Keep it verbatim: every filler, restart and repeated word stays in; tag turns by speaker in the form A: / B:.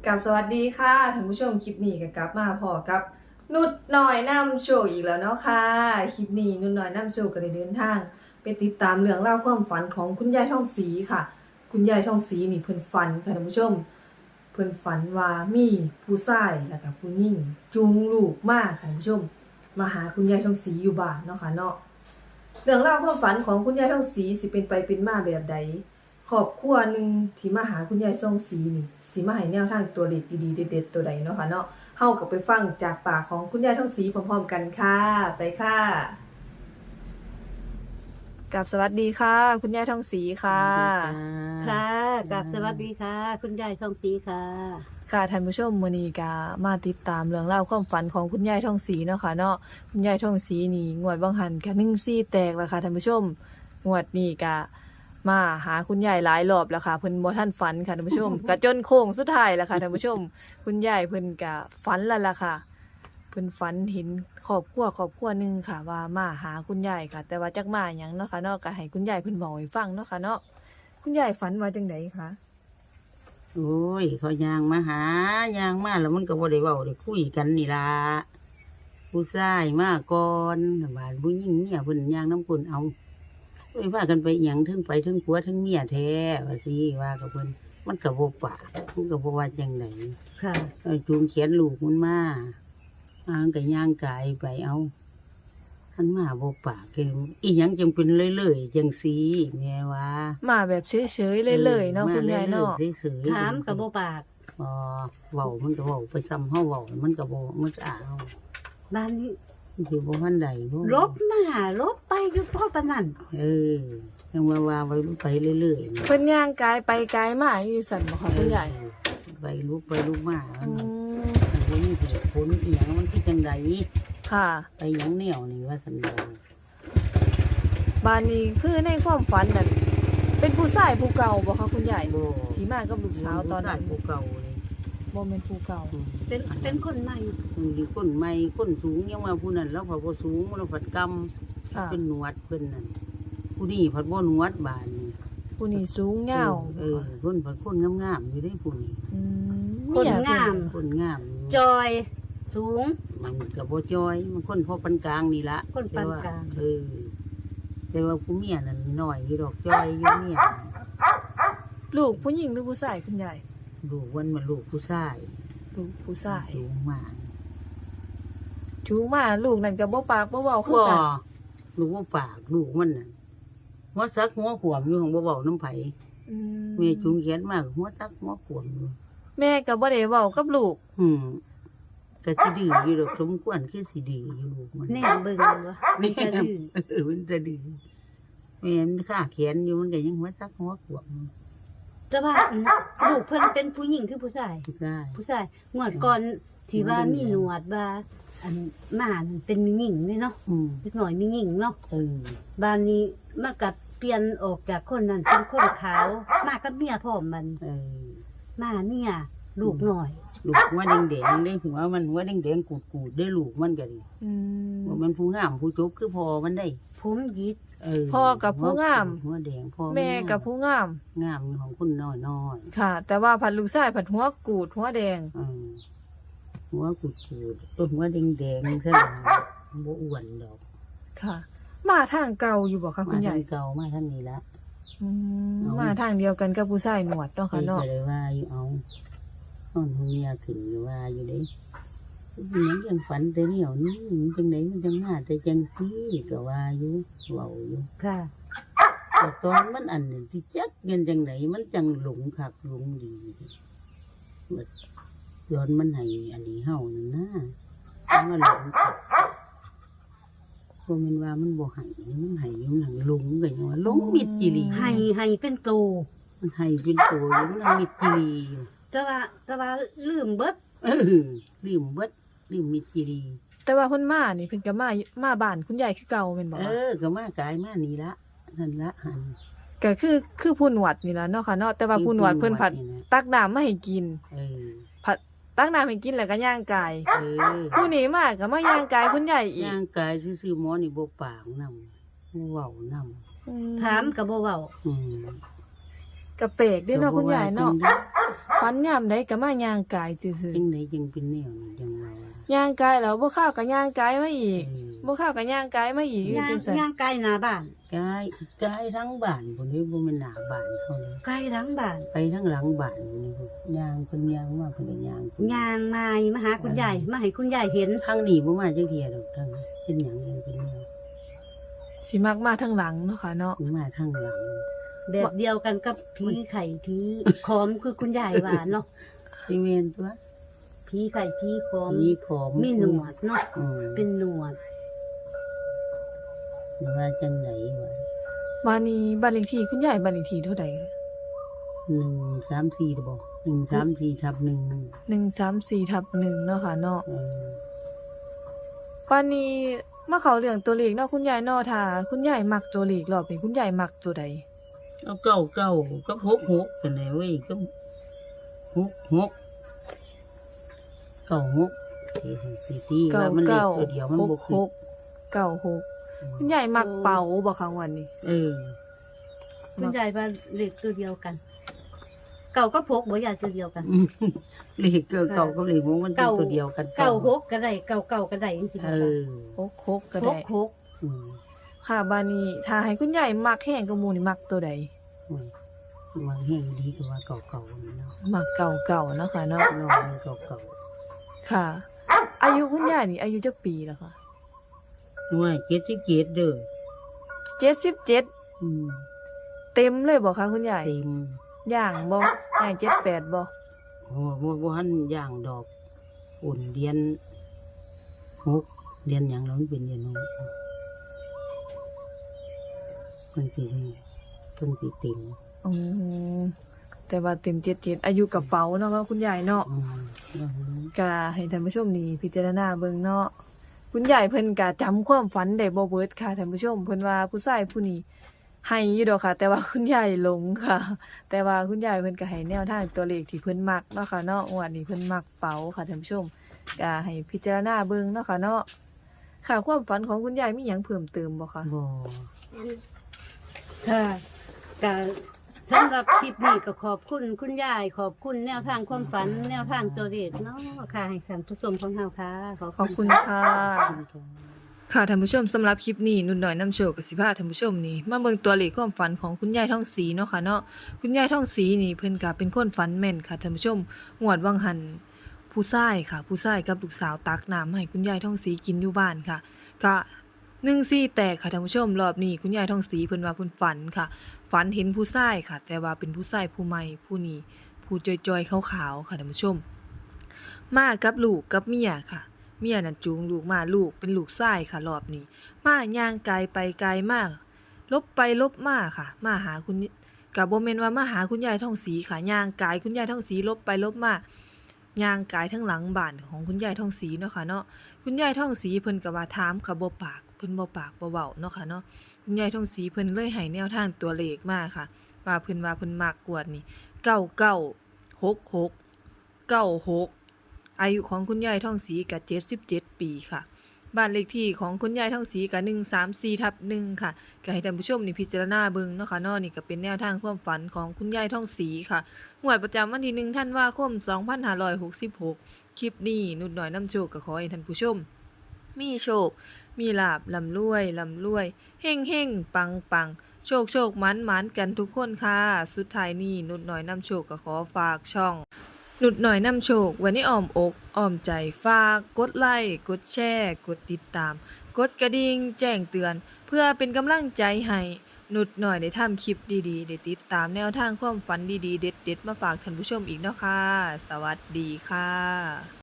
A: กับสวัสดีค่ะท่านผู้ชมคลิปนี้ก็กลับมาพอกับนุดหน่อยนำโชว์อีกแล้วเนาะค่ะคลิปนี้นุดหน่อยนำโชว์ก็ได้เดินทางไปติดตามเรื่องเล่าวความฝันของคุณยายทองศรีค่ะคุณยายทองศรีนี่เพิ่นฝันค่ะท่านผู้ชมเพิ่นฝันว่ามีผู้ชายแล้วก็ผู้หญิงจูงลูกมาค่ะท่านผู้ชมมาหาคุณยายทองศรีอยู่บ้านเนาะค่ะเนาะเรื่องเล่าวความฝันของคุณยายทองศรีสิเป็นไปเป็นมาแบบใดครอบครัวหนึ่งที่มาหาคุณยายทองศรีนี่สิมาให้แนวทางตัวเด็ดดีๆเด็ดๆตัวใดเนาะค่ะเนาะเฮาก็ไปฟังจากปากของคุณยายทองศรีพร้อมๆกันค่ะไปค่ะกับสวัสดีค่ะ คุณยายทองศรีค่ะ
B: ค่ะกับสวัสดีค่ะ คุณยายทองศรีค่ะ
A: ค่ะท่านผู้ชมมื้อนี้ก็มาติดตามเรื่องราวความฝันของคุณยายทองศรีเนาะค่ะเนาะคุณยายทองศรีนี่งวดบางหันก็หนึ่งสี่แตกแล้วค่ะท่านผู้ชมงวดนี้ก็มาหาคุณยายหลายรอบแล้วค่ะเพิ่นบ่ทันฝันค่ะท่านผู้ชม ก็จนโค้งสุดท้ายแล้วค่ะท่านผู้ชม คุณยายเพิ่นก็ฝันแล้วล่ะค่ะเพิ่นฝันเห็นครอบครัวครอบครัวหนึงค่ะว่ามาหาคุณยายค่ะ แต่ว่าจักมาหยังเนาะค่ะเนาะก็ให้คุณยายเพิ่นเว้าให้ฟังเนาะค่ะเนาะคุณยายฝันว่าจังไดคะ
B: โอ้ยเขายางมาหายางมาแล้วมันก็บ่ได้เว้าได้คุยกันนี่ล่ะผู้ชายมาก่อนบ้านผู้หญิงเนี่ยเพิ่นยางน้ำกุนเอาเอ้ยว่ากันไปหยังถึงไปถึงผัวถึงเมียแท้ว่าสิว่ากับเพิ่นมันก็บ่ปากมันก็บ่ว่าจังได๋ค่ะเออจูงเขียนลูกมันมาอ่างก็ย่างกายไปเอาท่านมาบ่ปากเกมอีหยังจังเป็นเรื่อยๆจังซี่แม่ว่า
A: มาแบบเฉยๆเลยๆเนาะคุณยายเนาะ
B: ถามกับโบปากอ๋อเว้ามันก็เว้าไปซ้ำเฮาเว้ามันก็บ่มันสะอาดบ้านนี้อยู่บ่ทันใดบ่ลบมาลบไปอยู่พ่อปานนั้นเออยังว่าว่าไว้ไปเรื่อยๆ
A: เพิ่นย่างกายไปกายมาอยู่สั่นบ่คะคุณยาย
B: ไปลุกไปลุกมา
A: อืม
B: มันมีเหตุผลอีหยังมันคือจังได๋
A: ค่ะ
B: ไปหยังแนวนี่ว่าซั่นบ่
A: บ้านนี้คือในความฝันนั่นเป็นผู้ชายผู้เก่าบ่คะคุณยาย
B: บ่
A: ที่มากับลูกสาวตอนนั้น
B: ผู้เก่าเลย
A: บ่แม่นผู้เก่า
B: เป็นเป็นคนใหม่มีคนใหม่คนสูงยังว่าผู้นั้นแล้วพอบ่สูงแล้วผัดกำ
A: ค่ะ
B: เป็นหนวดเพิ่นนั่นผู้นี้ผัดบ่หนวดบานนี่
A: ผู้นี้สูงยาว
B: เออคนผัดคนงามๆอยู่ได้ผู้นี้
A: อืม
B: คนงาม
A: เมีย
B: คนงาม
C: จอยสูง
B: มันก็บ่จอยมันคนพอปานกลางนี่ละ
C: คนปานกลาง
B: เออแต่ว่าผู้เมียนั่นน้อยอยู่ดอกจอยอยู่เมีย
A: ลูกผู้หญิงหรือผู้ชายคุณยาย
B: ลูกวันมันลูกผู้ชาย
A: ลูกผู้ชาย
B: สูงมาก
A: จูงมาลูกนั่นก็บ่ปากบ่เว้าคือ
B: ก็
A: กัน
B: ลูกว่าปากลูกมันน่ะหัวซักหัวขวมอยู่ของบ่เว้าน้ำไผ
A: อืม
B: แม่จุงเขียนมากหัวซักหัวขวมอยู่
A: แม่ก็บ่ได้เว้ากับลูก
B: อืมก็สิดื้ออยู่ดอกสมควรคือสิดื้ออยู่ลูกมัน
C: แน่เบิ่งวะมันจะดื้อ
B: เออมันจะดื้อแม่มันข้าเขียนอยู่มันก็ยังหัวซักหัวขวบ
C: จะว่าอันลูกเพิ่นเป็นผู้หญิงคือผู้ชาย
B: ใช่
C: ผู้ชายงวดก่อนที่ว่ามีหนวดว่าอันหมานั่นเป็นมีหญิงเลยเนาะ
B: อืม
C: เล็กน้อยมีหญิงเนาะ
B: เออ
C: บ้านนี้มันก็เปลี่ยนออกจากคนนั้นเป็นคนขาวมากับเมียพร้อมมัน
B: เออ
C: มาเมียลูกหน่อย
B: ลูกหัวแดงๆได้หัวมันหัวแดงๆกูดๆได้ลูกมันก็ดี
A: อืม
B: ว่ามันผู้งามผู้จบคือพอมันได้
C: ผมหยิด
B: เออ
A: พ่อกับผู้งาม
B: หัวแดงพ่อ
A: แม่กับผู้งาม
B: งามของคนน้อยน้อย
A: ค่ะ แต่ว่าผัดลูกชายผัดหัวกูดหัวแดง
B: ๆเออหัวกูดๆต้นหัวแดงๆเท่านั้นบ่อ้วนดอก
A: ค่ะ มาทางเก่าอยู่บ่คะคุณใหญ่
B: มาทางเก่ามาทางนี้ละ
A: อืม
B: เอา
A: มาทางเดียวกันกับผู้ชายหนวดเนาะค่ะเนาะ
B: ก็เลยว่าอยู่เอานอนหัวเมียขึ้นอยู่ว่าอยู่เด้มันยังฝันแต่เหนียวนี่มันจังไหนมันจังมาแต่จังซี่ก็ว่าอยู่เว้าอยู่
C: ค่ะ
B: แต่ตอนมันอันนี้ที่จักเงินจังไหนมันจังหลงคักหลงดีแบบย้อนมันให้อันนี้เฮานั่นนะมันหลงคักบ่แม่นว่ามันบ่ให้มันให้อยู่หลังหลงก็ยังว่าหลงมิดจิลี
C: ให้ให้เป็นโต
B: มันให้เป็นโตอยู่มันเอามิดจิลีอยู่
C: แต่ว่าแต่ว่าลืมเบิด
B: เออลืมเบิดลืมมิดจิลี
A: แต่ว่าเพิ่นมานี่เพิ่นก็มามาบ้านคุณยายคือเก่าแม่นบ่
B: เอ
A: คะ
B: อก็มากายมานี่ละนั่นละหัน
A: ก็คือคือผู้หนวดนี่ล่ะเนาะค่ะเนาะแต่ว่าผู้หนวดเพิ่นผัดตักน้ำมาให้กิน
B: เออ
A: ผัดตักน้ำให้กินแล้วก็ย่างกาย
B: เออ
A: ผู้นี้มาก็มาย่างกายคุณยายอีก
B: ย่างกายซื่อๆหมอนี่บ่ปากนำเว้านำ
A: อื
C: ถามกับบ่เว้า
B: อืม
A: ก็แปลกเด้เนาะคุณยายเนาะฝันยามใดก็มาย่างกายซื่อ
B: จังไดจังเป็นแนวนี้จังว่า
A: ๆย่างกายแล้วบ่เข้าวก็ย่างกายมาอีก
B: เออ
A: บ่เข้าวก็ย่างกายมาอีกอยู่
C: ย่าง
A: จังซั่น
C: ย่างไกลหน้าบ้าน
B: กายกายทั้งบ้านพุ่นนี่บ่แม่นหน้าบ้านเฮาเลย
C: ไกลทั้งบ้าน
B: ไปทั้งหลังบ้านพุ่นนี่พุ่นย่างเพิ่นย่างมาเพิ่นก็ย่างพุ่น
C: ย่างมามาหาคุณยายมาให้คุณยายเห็น
B: ทางนี้บ่มาจักเที่ยดอกทางนี้เป็นหยังจังเป็นแนว
A: สิมักมาทางหลังเนาะค่ะเนาะ
B: มาทางหลัง
C: แบบเดียวกันกับผีไข่ผีขอมคือคุณยายว่าเนาะ
B: สิแม่นตัว
C: ผีไข่ผีขอม
B: มีผม
C: มีหนวดเนาะ
B: อืม
C: เป็นหนวด
B: ว่าจังไหนวะ
A: บ้านนี้บ้านเลขที่คุณยายบ้านเลขที่เท่าใดคะ
B: หนึ่งสามสี่หรือบ่หนึ่งสามสี่ทับหนึ่ง
A: หนึ่งสามสี่ทับหนึ่งเนาะค่ะเนาะ
B: เออ
A: บ้านนี้มาเข้าเรื่องตัวเลขเนาะคุณยายเนาะถ้าคุณยายมักตัวเลขรอบนี้คุณยายมักตัวใด
B: เอาเก้าเก้ากับหกหกเป็นไงเว้ยก็หกหกเก้าหกสี่สี่ที่
A: เก้า
B: ว่ามันเลข
A: เก้า
B: ตัวเดียวมัน
A: ห
B: บ่
A: ก
B: ขึ้
A: ห
B: น
A: กเก้าหกคุณยายมักเป่าบ่คะวันนี้
B: เออ
C: คุณยายว่าเลขตัวเดียวกัน เก่าก็พกบ่ยายตัวเดียวกัน
B: เลขเก้าเก้ากับเลขหกมันเป็น
C: เก้า
B: ตัวเดียวกัน
C: เก่าหกก็ได้เก่าเก่าก็ได้จริงๆ
B: เออ
A: หกหกก็
C: ห
A: ได้
C: กหก
B: อืม
A: ค่ะบ้านนี้ถ้าให้คุณยายมักแห้งกว่าหมู่นี่มักตัวใด
B: โอ้ยมันแห้งดีกว่าเก่าเก่าๆเนาะ
A: มักเก่าเก่าๆเนาะค่ะเนาะ
B: นอนมันเก่าเก่า
A: ค่ะ อายุคุณยายนี่อายุจักปีแล้วค่ะ
B: ๆว่าเจ็ดสิบเจ็ดเด้อ
A: เจ็ดสิบเจ็ด
B: อืม
A: เต็มเลยบ่คะคุณยาย
B: เต็ม
A: ย่างบ่ย่างเจ็ดแปดบ่
B: โอ้โหบ่หันย่างดอกอุ่นเรียนหกเรียนหยังแล้วมันเป็นเรียนหกมันสิมันสิเต็ม
A: อืมแต่ว่าเต็มเจ็ดเจ็ดอายุกระเป๋าเนาะคุณยายเนาะ
B: อืมแล้ว
A: ก็ให้ท่านผู้ชมนี่พิจารณาเบิ่งเนาะคุณยายเพิ่นก็จำความฝันได้บ่เบิดค่ะท่านผู้ชมเพิ่นว่าผู้ชายผู้นี้ให้อยู่ดอกค่ะ แต่ว่าคุณยายหลงค่ะ แต่ว่าคุณยายเพิ่นก็ให้แนวทางตัวเลขที่เพิ่นมักเนาะค่ะเนาะงวดนี้เพิ่นมักเป๋าค่ะท่านผู้ชมก็ให้พิจารณาเบิ่งเนาะค่ะเนาะค่ะความฝันของคุณยายมีหยังเพิ่มเติมบ่คะ
B: บ่
C: ค่ะก็สำหรับคลิปนี้ก็ขอบคุณคุณยาย ขอบคุณแนวทางความฝัน แนวทางตัวเลขเนาะค่ะให้ท่านผู้ชมของเราค่ะ ขอบ
A: ขอบ
C: คุ
A: คุณ ณค่ะ ค่ะท่านผู้ชมสำหรับคลิปนี้นุ่นหน่อยนำโชคกับสิพาท่านผู้ชมนี่มาเบิ่งตัวเลขความฝันของคุณยายท่องศรีเนาะค่ะเนาะคุณยายท่องศรีนี่เพิ่นก็เป็นคนฝันแม่นค่ะท่านผู้ชมงวดวังหันผู้ชายค่ะ ผู้ชายกับลูกสาวตักน้ำให้คุณยายท่องศรีกินอยู่บ้านค่ะก็หนึ่งสี่แตกค่ะท่านผู้ชมรอบนี้คุณยายท่องศรีเพิ่นว่าเพิ่นฝันค่ะ ฝันเห็นผู้ชายค่ะ แต่ว่าเป็นผู้ชายผู้ใหม่ผู้นี้ผู้จอยๆขาวๆค่ะท่านผู้ชม มากับลูกกับเมียค่ะ เมียนั่นจูงลูกมาลูกเป็นลูกชายค่ะรอบนี้ มาย่างไกลไปไกลมากลบไปลบมาค่ะ มาหาคุณกับบ่แม่นว่ามาหาคุณยายท่องศรีค่ะย่างไกลคุณยายท่องศรีลบไปลบมาย่างไกลทั้งหลังบ้านของคุณยายท่องศรีเนาะค่ะเนาะคุณยายท่องศรีเพิ่นก็ว่าถามค่ะบ่ปากเพิ่นบ่ปากบ่เว้าเนาะค่ะเนาะคุณยายท่องศรีเพิ่นเลยให้แนวทางตัวเลขมาค่ะ ว่าเพิ่นว่าเพิ่นมักกวดนี่เก้าเก้า หกหก เก้าหกอายุของคุณยายท่องศรีก็เจ็ดสิบเจ็ดปีค่ะบ้านเลขที่ของคุณยายท่องศรีก็หนึ่งสามสี่ทับหนึ่งค่ะก็ให้ท่านผู้ชมนี่พิจารณาเบิ่งเนาะค่ะเนาะนี่ก็เป็นแนวทางความฝันของคุณยายท่องศรีค่ะงวดประจำวันที่หนึ่งธันวาคมสองพันห้าร้อยหกสิบหกคลิปนี้นุดหน่อยนำโชคก็ขอให้ท่านผู้ชม มีโชค มีลาบลำรวยลำรวยเฮ่งเฮ่งปังปังโชคโชคมันมันกันทุกคนค่ะสุดท้ายนี้นุดหน่อยนำโชคก็ขอฝากช่องนุดหน่อยนำโชคไว้ในอ้อมอกอ้อมใจฝากกดไลค์กดแชร์กดติดตาม กดกระดิ่งแจ้งเตือน เพื่อเป็นกำลังใจให้นุดหน่อยได้ทำคลิปดีๆได้ติดตามแนวทางความฝันดีๆเด็ดๆมาฝากท่านผู้ชมอีกเนาะค่ะสวัสดีค่ะ